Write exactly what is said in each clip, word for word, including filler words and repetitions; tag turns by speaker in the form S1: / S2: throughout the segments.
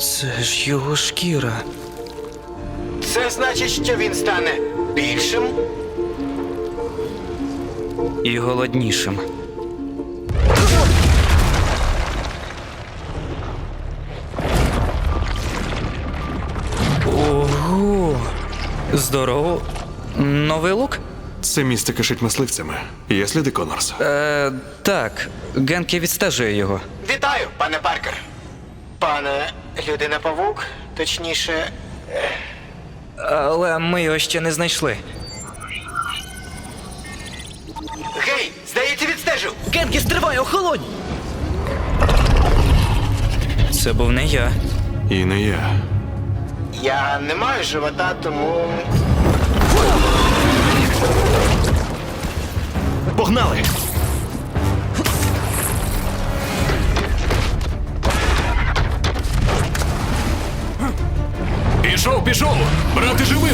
S1: Це ж його шкіра.
S2: Це значить, що він стане більшим?
S1: І голоднішим. Ого! Здорово. Новий лук?
S3: Це місце кишить мисливцями. Є сліди Коннорса?
S1: Е, так, Генкі відстежує його.
S2: Вітаю, пане Паркер. Пане Людина-павук, точніше,
S1: Але ми його ще не знайшли.
S2: гей, здається, відстежив.
S1: Генкі, стривай, охолонь! Це був не я.
S3: І не я.
S2: Я не маю живота, тому...
S3: Погнали!
S4: Пішов, пішов! Брати живим!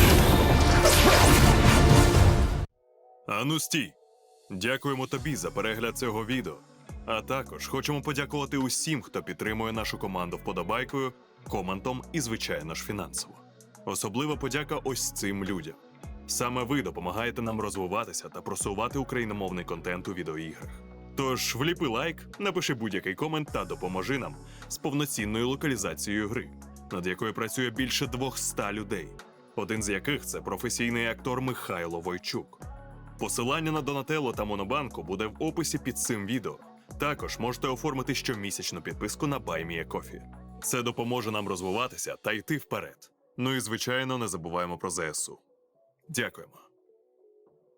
S3: Ану стій! Дякуємо тобі за перегляд цього відео. А також хочемо подякувати усім, хто підтримує нашу команду вподобайкою, коментом і, звичайно ж, фінансово. Особлива подяка ось цим людям. Саме ви допомагаєте нам розвиватися та просувати україномовний контент у відеоіграх. Тож вліпи лайк, напиши будь-який комент та допоможи нам з повноцінною локалізацією гри, над якою працює більше двохсот людей, один з яких – це професійний актор Михайло Войчук. Посилання на Донателло та Монобанку буде в описі під цим відео. Також можете оформити щомісячну підписку на BuyMeACoffee. Це допоможе нам розвиватися та йти вперед. Ну і, звичайно, не забуваємо про ЗСУ. Дякуємо.